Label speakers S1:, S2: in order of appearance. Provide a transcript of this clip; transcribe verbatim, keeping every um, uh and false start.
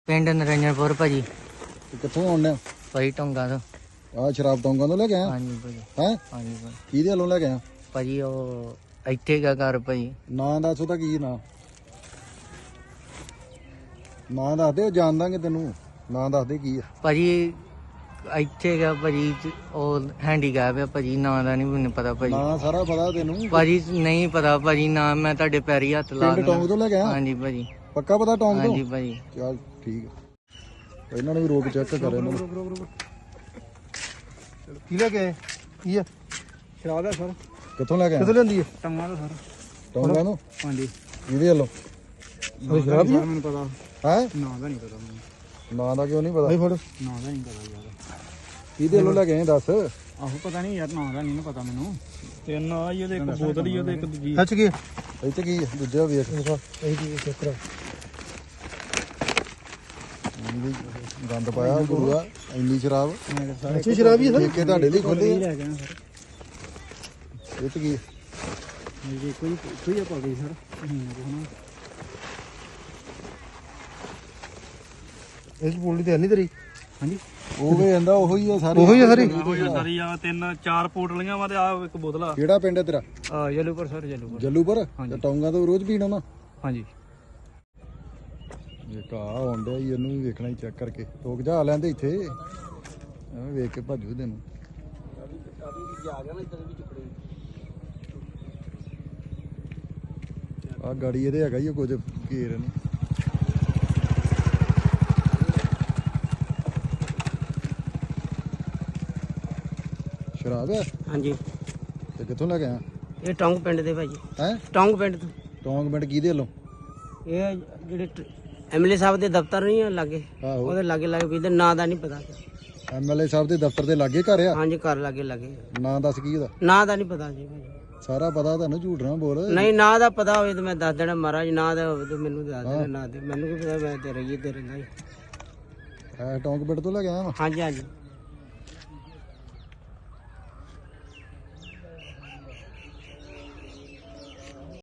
S1: ਪਿੰਡ ਨਰਿੰਜਨਪੁਰ ਭਾਜੀ।
S2: ਕਿੱਥੋਂ ਆਉਂਦੇ
S1: ਭਾਜੀ ਟੋਂਗਾ ਤੋਂ।
S2: ਆ ਸ਼ਰਾਬ ਟੋਂਗਾ ਤੋਂ ਲੈ ਕੇ ਆਇਆ?
S1: ਹਾਂਜੀ ਭਾਜੀ।
S2: ਹੈ
S1: ਹਾਂਜੀ ਭਾਜੀ।
S2: ਕਿਹਦੇ ਵੱਲੋਂ ਲੈ ਕੇ ਆਇਆ
S1: ਭਾਜੀ? ਉਹ ਇੱਥੇ ਗਾ ਘਰ ਭਾਜੀ।
S2: ਨਾਂ ਦੱਸ ਉਹਦਾ ਕੀ ਨਾਂ? ਨਾਂ ਦੱਸ ਦੇ, ਉਹ ਜਾਣ ਦਾਂਗੇ ਤੈਨੂੰ। ਨਾਂ ਦੱਸ ਦੇ ਕੀ ਆ
S1: ਭਾਜੀ ਇੱਥੇ ਗਾ ਭਾਜੀ, ਉਹ ਹੈਂਡੀਕੈਪ ਆ ਭਾਜੀ। ਨਾਂ ਦਾ ਨਹੀਂ ਮੈਨੂੰ ਪਤਾ ਭਾਜੀ।
S2: ਨਾਂ ਸਾਰਾ ਪਤਾ ਤੈਨੂੰ
S1: ਭਾਜੀ ਨਹੀਂ ਪਤਾ ਭਾਜੀ ਨਾਂ। ਮੈਂ ਤੁਹਾਡੇ ਪੈਰੀ ਹੱਥ ਲਾ
S2: ਪਿੰਡ ਟੋਂਗ ਤੋਂ ਲੈ ਕੇ ਆਇਆ?
S1: ਹਾਂਜੀ ਭਾਜੀ।
S2: ਪੱਕਾ ਪਤਾ ਟੋਂਗ ਤੋਂ?
S1: ਹਾਂਜੀ ਭਾਜੀ।
S2: ਚੱਲ ਠੀਕ ਆ, ਇਹਨਾਂ ਨੂੰ ਵੀ ਰੋਕ ਚੈੱਕ ਕਰ ਇਹਨਾਂ ਨੂੰ।
S3: ਕੀ ਲੈ ਕੇ ਆਏ? ਕੀ ਆ? ਸ਼ਰਾਬ ਹੈ ਸਰ।
S2: ਕਿੱਥੋਂ ਲੈ ਕੇ ਆਇਆ?
S3: ਕਿੱਥੋਂ ਲੈਂਦੀ ਹੈ? ਟੰਗਾ ਦਾ ਸਰ।
S2: ਟੋਂਗਾ ਤੋਂ?
S3: ਹਾਂਜੀ।
S2: ਇਹਦੇ ਵੱਲੋਂ
S3: ਉਹ ਸ਼ਰਾਬ ਹੀ ਮੈਨੂੰ ਪਤਾ
S2: ਹੈ?
S3: ਨਾਂ ਦਾ ਨਹੀਂ ਪਤਾ ਮੈਨੂੰ।
S2: ਨਾਂ ਦਾ ਕਿਉਂ ਨਹੀਂ ਪਤਾ?
S3: ਫੜ ਨਾਂ ਦਾ ਨਹੀਂ ਪਤਾ ਯਾਰ।
S2: ਕਿਹਦੇ ਵੱਲੋਂ ਲੈ ਕੇ ਆਏ ਦੱਸ?
S3: ਆਹੋ ਪਤਾ ਨਹੀਂ ਯਾਰ, ਨਾਂ ਦਾ ਨਹੀਂ ਨਾ ਪਤਾ ਮੈਨੂੰ। ਤਿੰਨ ਆ ਇਹਦੇ, ਇੱਕ ਬੋਤਲ ਹੀ ਉਹਦੇ, ਇੱਕ ਦੂਜੀ। ਸੱਚ ਕੀ
S2: ਇੱਥੇ ਕੀ ਆ? ਦੂਜਾ ਵੇਖ।
S3: ਇਹ ਕੀ ਚੱਕਰ?
S2: ਗੰਦ ਪਾਇਆ ਗੁਰੂਆ, ਇੰਨੀ ਸ਼ਰਾਬ।
S3: ਅੱਛੀ ਸ਼ਰਾਬ ਹੀ ਹੈ ਸਰ।
S2: ਠੇਕੇ ਤੁਹਾਡੇ ਲਈ ਖੋਲੇ
S3: ਲੈ ਗਏ ਸਰ।
S2: ਇਹ ਚ ਕੀ?
S3: ਜੀ ਕੋਈ ਕੋਈ ਆ ਪਾ ਗਈ ਸਰ। ਇਸ ਬੋਲੀ ਤੇ ਨਹੀਂ ਤੇਰੀ? ਹਾਂਜੀ।
S2: ਉਹ ਵੀ ਕਹਿੰਦਾ ਉਹੀ ਆ ਸਾਰੇ।
S3: ਉਹੀ ਆ ਸਾਰੀ?
S4: ਉਹੀ ਸਾਰੀ ਆ। ਤਿੰਨ ਚਾਰ ਪੋਟਲੀਆਂ ਵਾ ਤੇ ਆ ਇੱਕ ਬੋਤਲ ਆ।
S2: ਕਿਹੜਾ ਪਿੰਡ ਹੈ ਤੇਰਾ?
S4: ਆ ਜਲੂਪੁਰ ਸਰ, ਜਲੂਪੁਰ।
S2: ਜੱਲੂਪੁਰ? ਤੇ ਟੌਂਗਾ ਤੋਂ ਰੋਜ਼ ਪੀਣਾ ਨਾ?
S4: ਹਾਂਜੀ।
S2: ਇਹ ਕਾ ਆਉਂਦਾ ਹੀ, ਇਹਨੂੰ ਵੀ ਵੇਖਣਾ ਹੀ ਚੈੱਕ ਕਰਕੇ। ਰੋਕ ਜਾ ਲੈਂਦੇ ਇੱਥੇ, ਐਵੇਂ ਵੇਖ ਕੇ ਭੱਜੂ ਤੈਨੂੰ। ਆ ਗਾੜੀ ਇਹਦੇ ਹੈਗਾ ਹੀ ਕੁਝ ਘੇਰ ਨੇ। ਸ਼ਰਾਬ ਹੈ?
S1: ਹਾਂਜੀ।
S2: ਤੇ ਕਿੱਥੋਂ ਲੈ ਕੇ ਆਇਆ?
S1: ਇਹ ਟੌਂਗ ਪਿੰਡ ਦੇ ਭਾਜੀ।
S2: ਹੈ?
S1: ਟੌਂਗ ਪਿੰਡ ਤੋਂ।
S2: ਟੌਂਗ ਪਿੰਡ ਕਿਹਦੇ ਵੱਲੋਂ?
S1: ਇਹ ਜਿਹੜੇ ਐਮਐਲਏ ਸਾਹਿਬ ਦੇ ਦਫ਼ਤਰ ਨਹੀਂ ਆ ਲਾਗੇ,
S2: ਆਹੋ।
S1: ਉਹਦੇ ਲਾਗੇ ਲਾਗੇ ਵੀ ਨਾਂ ਦਾ ਨਹੀਂ ਪਤਾ।
S2: ਐਮਐਲਏ ਸਾਹਿਬ ਦੇ ਦਫ਼ਤਰ ਦੇ ਲਾਗੇ ਘਰ ਆ?
S1: ਹਾਂਜੀ ਘਰ ਲਾਗੇ ਲਾਗੇ।
S2: ਨਾਂ ਦੱਸ ਕੀ ਉਹਦਾ?
S1: ਨਾਂ ਦਾ ਨਹੀਂ ਪਤਾ ਜੀ ਭਾਜੀ।
S2: ਸਾਰਾ ਪਤਾ ਤੁਹਾਨੂੰ, ਝੂਠ ਨਾ ਬੋਲ।
S1: ਨਹੀਂ ਨਾਂ ਦਾ ਪਤਾ ਹੋਵੇ ਤਾਂ ਮੈਂ ਦੱਸ ਦੇਣਾ ਮਹਾਰਾਜ। ਨਾਂ ਦਾ ਹੋਵੇ ਤਾਂ ਮੈਨੂੰ ਦੱਸ ਦੇਣਾ। ਨਾਂ ਦੇ ਮੈਨੂੰ ਕੀ ਪਤਾ, ਮੈਂ ਤੇ ਰਹੀ ਤੇ ਰਹਿੰਦਾ ਹੀ।
S2: ਹੈ ਟੌਂਗ ਪਿੰਡ ਤੋਂ ਲੈ ਕੇ ਆਇਆ ਵਾ?
S1: ਹਾਂਜੀ ਹਾਂਜੀ।